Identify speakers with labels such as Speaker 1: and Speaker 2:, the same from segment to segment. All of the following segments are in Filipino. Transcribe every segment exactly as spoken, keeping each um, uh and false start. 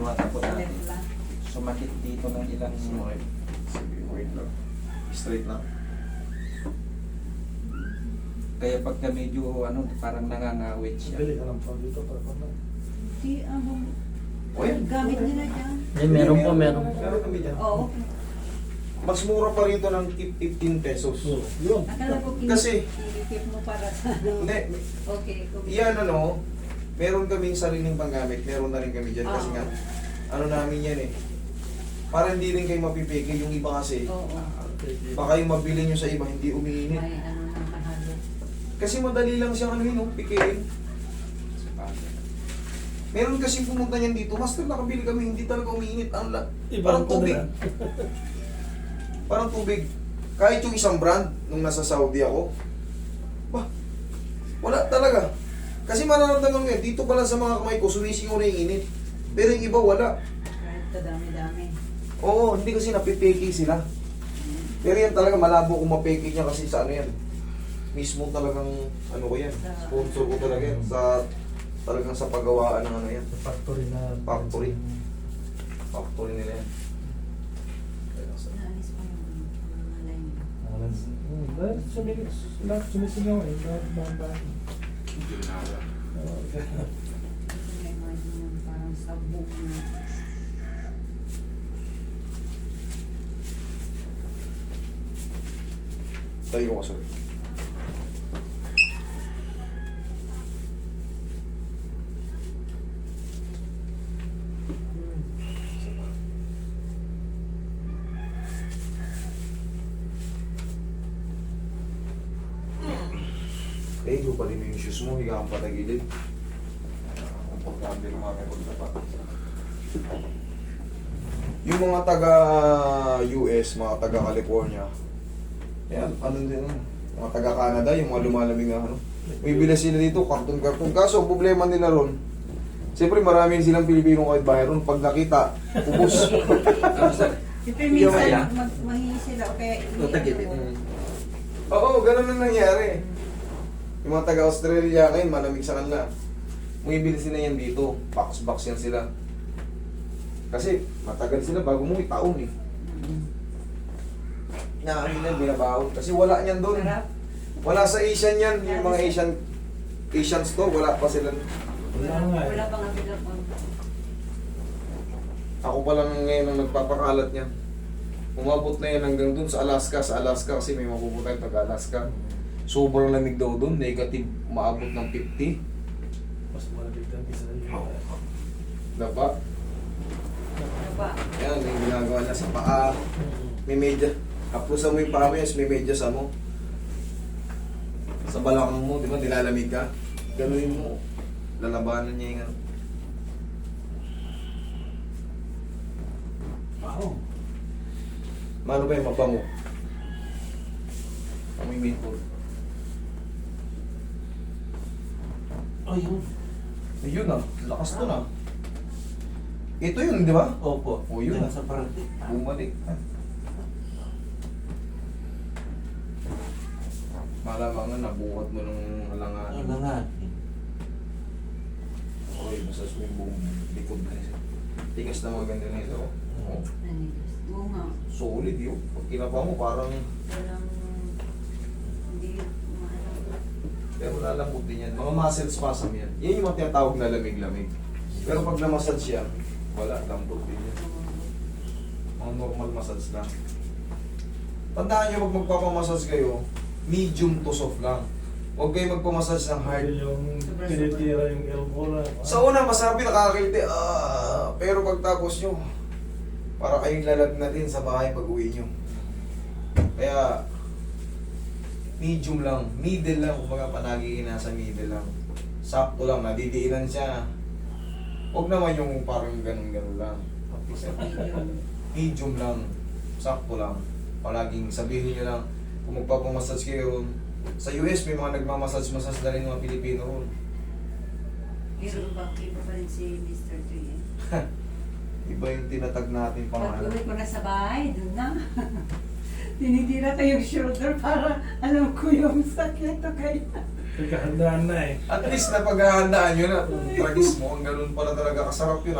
Speaker 1: hinuhatan po natin.
Speaker 2: Left lang.
Speaker 1: Sumakit dito ng ilang...
Speaker 3: Sumakit. Sige, wait lang. Straight lang.
Speaker 1: Kaya pagka medyo ano, parang nangangawit siya.
Speaker 4: Bili ka lang pa dito para pa.
Speaker 2: Di, ano,
Speaker 3: O yan.
Speaker 2: gamit nila dyan.
Speaker 5: Eh, meron po, meron.
Speaker 3: Meron kami dyan.
Speaker 2: Oo.
Speaker 3: Mas mura pa rito ng fifteen pesos.
Speaker 4: So, yun.
Speaker 2: Akala ko kin-
Speaker 3: Kasi-
Speaker 2: kinikip mo para sa ano.
Speaker 3: Hindi,
Speaker 2: Okay. okay.
Speaker 3: yan ano, meron kaming sariling panggamit. Meron na rin kami dyan kasi
Speaker 2: Oo.
Speaker 3: nga, ano namin yan eh. Para hindi rin kayo mapipigil yung iba kasi.
Speaker 2: Oo.
Speaker 3: Baka yung mabili nyo sa iba, hindi umiinit.
Speaker 2: May ano na mahalo.
Speaker 3: Kasi madali lang siyang ano yun, no? Pikirin. Meron kasi pumunta niyan dito, master nakabili kami, hindi talaga umiinit. Ang la- parang
Speaker 4: Ibang ko
Speaker 3: tubig.
Speaker 4: na.
Speaker 3: Parang tubig. Kahit yung isang brand, nung nasa Saudi ako, bah, wala talaga. Kasi mararamdaman mo yan, dito pala sa mga kamay ko, sumisingaw na yung init. Pero yung iba, wala.
Speaker 2: Kahit kadami-dami.
Speaker 3: Oo, hindi kasi napipeki sila. Pero yan talaga, malabo kung mapeki niya kasi sa ano yan. Mismo talagang, ano ko yan, sponsor ko talaga yan. Sa, talagang sa paggawaan ng ano yan.
Speaker 4: Sa factory na.
Speaker 3: Factory. Factory nila yan.
Speaker 2: Naalis pa yung mga line.
Speaker 4: Alas. Hmm, dahil sumili- lahat sumisigaw eh. Lahat bang
Speaker 2: Ito may mga yung parang sabog na.
Speaker 3: Tayo ko sorry. Eh, yung pa din yung shoes mo, higa kang patagilid. Komportable yung mga kapag Yung mga taga-U S, mga taga-California, yan, ano din, mga taga-Canada, yung mga lumalamig na ano. May bilas sila dito, karton-karton. Kaso, problema nila ron, siyempre marami silang Pilipino kahit bahay ron. Pag nakita, ubos.
Speaker 2: Siyempre
Speaker 1: Yung
Speaker 2: minsan
Speaker 1: kaya?
Speaker 2: mag mahingi sila o kaya
Speaker 1: O, tagilid.
Speaker 2: ano,
Speaker 3: Mm. Oo, ganun ang nangyari. Yung mga taga-Australia ngayon, malamig sa kanila. Bumibili sila yan dito. Box-box yan sila. Kasi matagal sila bago mo taon eh. Naamin na binabaon. Kasi wala niyan doon.
Speaker 2: Sarap.
Speaker 3: Wala sa Asian yan. Yung mga Asian Asian store, wala pa sila.
Speaker 4: Wala nga eh.
Speaker 2: Wala pang abila pa.
Speaker 3: Ako pa lang ngayon ang nagpapakalat niya. Umabot na yan hanggang doon sa Alaska. Sa Alaska kasi may mapupunta yung taga-Alaska. Sobrang lamig daw doon. Negative, maabot ng fifty.
Speaker 4: Mas malapit ang isa yun.
Speaker 3: Diba?
Speaker 2: Ano ba?
Speaker 3: Yan, yung ginagawa niya sa paa. May medya. Kapusan mo yung paa mo, yes, may medya sa mo. Sa balakang mo, di ba, nilalamig ka? Ganunin mo. Lalabanan niya yung ano.
Speaker 4: Wow.
Speaker 3: Mano ba yung mabango? Amoy maple.
Speaker 4: Ayun.
Speaker 3: Ayun ah, lakas to na. Ito yun, di ba?
Speaker 1: Opo.
Speaker 3: O, yun.
Speaker 1: Yan sa parati.
Speaker 3: Bumalik. Malamang nga, nabuhat mo ng alanganin.
Speaker 1: Ano nga?
Speaker 3: Okay, masas mo yung buong likod na isa. Tigas na mga ganda na ito. Oh,
Speaker 2: Nanigas. Oo nga.
Speaker 3: solid yun. Pag kinapa mo, parang...
Speaker 2: Walang hindi maano.
Speaker 3: Pero lalambot din yan. Mga muscle spasm yan. Yan yung mga tinatawag na lamig-lamig. Pero pag na-massage yan, wala, lambot din yan. Mga normal massage lang. Tandaan nyo, pag magpapamassage kayo, medium to soft lang. Huwag kayo magpamassage ng hard.
Speaker 4: Hard. Yung tinitira yung elbow na.
Speaker 3: Sa una, masarap yung nakakiliti. Ah, pero pagtapos nyo, para kayong lalag na din sa bahay pag uwi nyo. Kaya, medium lang. Middle lang. Kumbaga panagi nasa middle lang. Sakto lang. Nadidiinan siya. Huwag naman yung parang ganun-ganun lang. Medium lang. Sakto lang. Palaging sabihin nyo lang, kung magpapamassage kayo ron, sa U S may mga nagmamassage-massage na rin mga Pilipino ron.
Speaker 2: Pero ba, iba pa rin si Mister Tuy eh.
Speaker 3: Iba yung tinatag natin pangalan.
Speaker 2: Pag-uwi ko na sa bahay, doon na. Tinitira ko yung shoulder para alam ko yung sakit o kaya.
Speaker 4: Nagkahandaan na eh.
Speaker 3: At least napaghahandaan nyo na. Kung tragis mo, ang ganun pala talaga kasarap yun ah.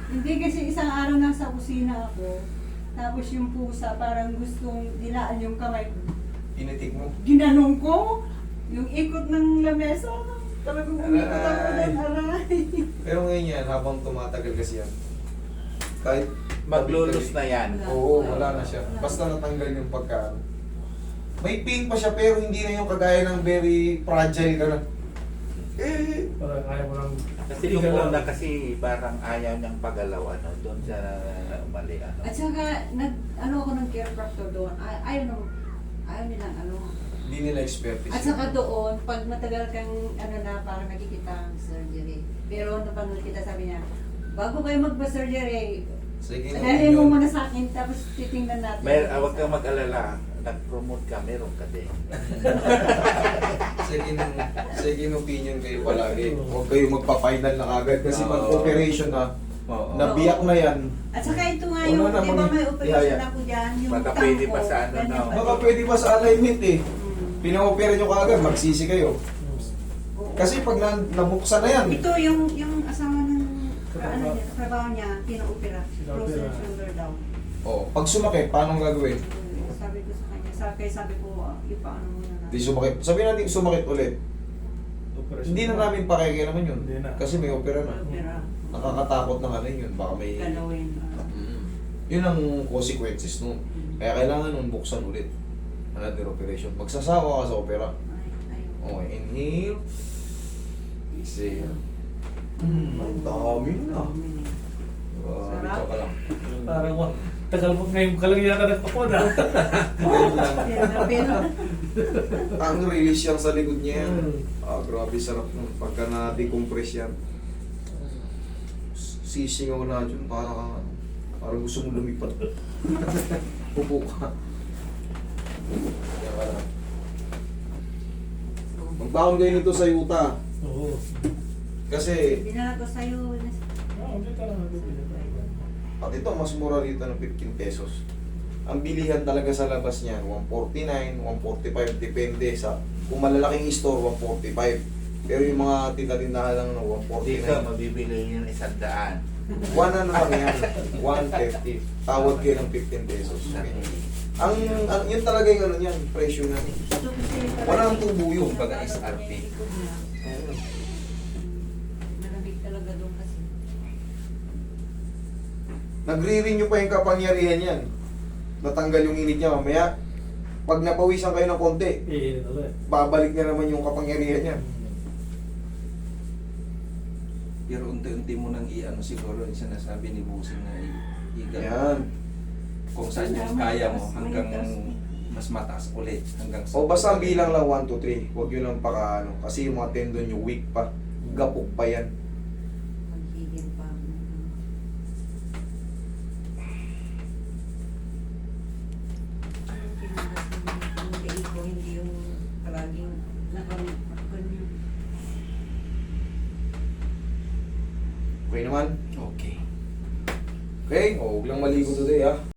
Speaker 2: Hindi kasi isang araw nasa kusina ako. Tapos yung pusa parang gustong dilaan yung kamay ko.
Speaker 3: Initik mo.
Speaker 2: Ginanong ko. Yung ikot ng lamesa. Talagang umikot ako
Speaker 3: Aray.
Speaker 2: ng aray.
Speaker 3: Pero ngayon yan, habang tumatagal kasi yan, kahit
Speaker 5: Maglulus na yan.
Speaker 3: Oo, wala na siya. Basta natanggal yung pagka. May pain pa siya pero hindi na yung kagaya ng very fragile ka na. Eh,
Speaker 4: Parang ayaw mo lang.
Speaker 5: Kasi yung una kasi parang ayaw niyang pagalaw ano, doon sa mali ano.
Speaker 2: At saka, nag, ano ako ng chiropractor doon. Ay, ayaw, na, ayaw nilang ano.
Speaker 3: hindi nila expertise.
Speaker 2: At saka doon, pag matagal kang ano na, parang nakikita ang surgery. Pero napanood kita, sabi niya, bago kayo magpa-surgery,
Speaker 3: Sige na.
Speaker 2: dahil mo muna sa akin, tapos titingnan natin.
Speaker 5: May ah, wag kang mag-alala, nag-promote ka, meron ka din.
Speaker 3: Second, second opinion kayo palagi. Huwag kayo magpa-final na agad kasi
Speaker 5: Oo.
Speaker 3: pag operation na,
Speaker 5: Oo.
Speaker 3: nabiyak na yan.
Speaker 2: At saka ito nga
Speaker 3: Wala
Speaker 2: yung,
Speaker 3: na,
Speaker 2: di ba
Speaker 3: mami.
Speaker 2: may operation
Speaker 3: Ihaya.
Speaker 2: ako dyan, yung
Speaker 5: Baka
Speaker 2: tangko,
Speaker 5: pwede pa sa ano,
Speaker 2: ganyan
Speaker 5: no?
Speaker 2: pa
Speaker 3: Baka
Speaker 2: din.
Speaker 3: pwede pa sa alignment eh.
Speaker 2: Mm.
Speaker 3: Pina-opera nyo kaagad, magsisi kayo.
Speaker 2: Oo.
Speaker 3: Kasi pag na, nabuksan na yan,
Speaker 2: Ito yung yung asawa ng
Speaker 4: Trabaho.
Speaker 2: ano niya, trabaho niya, pina-opera.
Speaker 4: Pina-opera.
Speaker 2: Frozen shoulder down.
Speaker 3: oh, pag sumakit, paano gagawin?
Speaker 2: Mm, Sabi ko sa kanya, sa kaya sabi ko, ah, ipaano muna na.
Speaker 3: Di sumakit. Sabi natin sumakit ulit.
Speaker 4: Operation
Speaker 3: Hindi na namin pakikialaman yun.
Speaker 4: Hindi na.
Speaker 3: Kasi may opera na.
Speaker 2: Opera.
Speaker 3: Nakakatakot na ano yun. Baka may...
Speaker 2: Galawin. ah.
Speaker 3: Mm. Yun ang consequences nun. Kaya kailangan nun buksan ulit. Another operation. Magsasawa ka sa opera.
Speaker 2: Ay, ayun.
Speaker 3: Okay, inhale. Exhale. Mm, ang dami na. Uh,
Speaker 2: Sarap.
Speaker 3: ito ka lang.
Speaker 4: Parang wa. Tagal mo ngayon ka lang yata nagpapod ah.
Speaker 2: Pero, pero,
Speaker 3: Ang release yan sa likod niya yan.
Speaker 4: Mm.
Speaker 3: Ah, grabe sarap nun. Pagka na-decompress yan. Sisingaw na dyan. Parang, parang gusto mo lumipad. Upo ka. Yan ka lang. Magbaon kayo nito sa yuta.
Speaker 4: Oo.
Speaker 3: Kasi,
Speaker 2: binala ko sa'yo.
Speaker 4: Ah, hindi ka lang nagpapod.
Speaker 3: at ito, mas mura rito ng fifteen pesos. Ang bilihan talaga sa labas niyan, one forty-nine, one forty-five, depende sa, kung malalaking store, one forty-five. Pero yung mga tinda-tindahan lang ng one
Speaker 5: Dito,
Speaker 3: forty-nine.
Speaker 5: mabibili yung isang daan.
Speaker 3: One ano lang yan, one fifty. Tawad kayo ng fifteen pesos. Okay. Ang, ang yun talaga yung ano niyan, presyo na.
Speaker 2: Ito kasi
Speaker 3: Walang tubo yun.
Speaker 1: Kumbaga S R P.
Speaker 2: Malamig talaga doon kasi.
Speaker 3: Nagre-renew pa yung kapangyarihan yan. Natanggal yung init niya mamaya. Pag napawisan kayo ng konti,
Speaker 4: Eh, ulit.
Speaker 3: babalik na naman yung kapangyarihan niya.
Speaker 1: Pero unti-unti mo nang i-ano siguro yung sinasabi ni Busing na i- igal.
Speaker 3: Yan.
Speaker 1: Kung saan yung kaya mo hanggang mas mataas ulit. Hanggang sa-
Speaker 3: O basta ang bilang lang one, two, three. Huwag yun lang paka ano. Kasi yung mga tendon nyo weak pa. Gapok pa yan.
Speaker 2: Maghigil pa. Yung kinalas ng yung tiil ko, hindi yung palaging nakaganyan.
Speaker 3: Okay naman?
Speaker 1: Okay.
Speaker 3: Okay? O, huwag lang maligo today ha.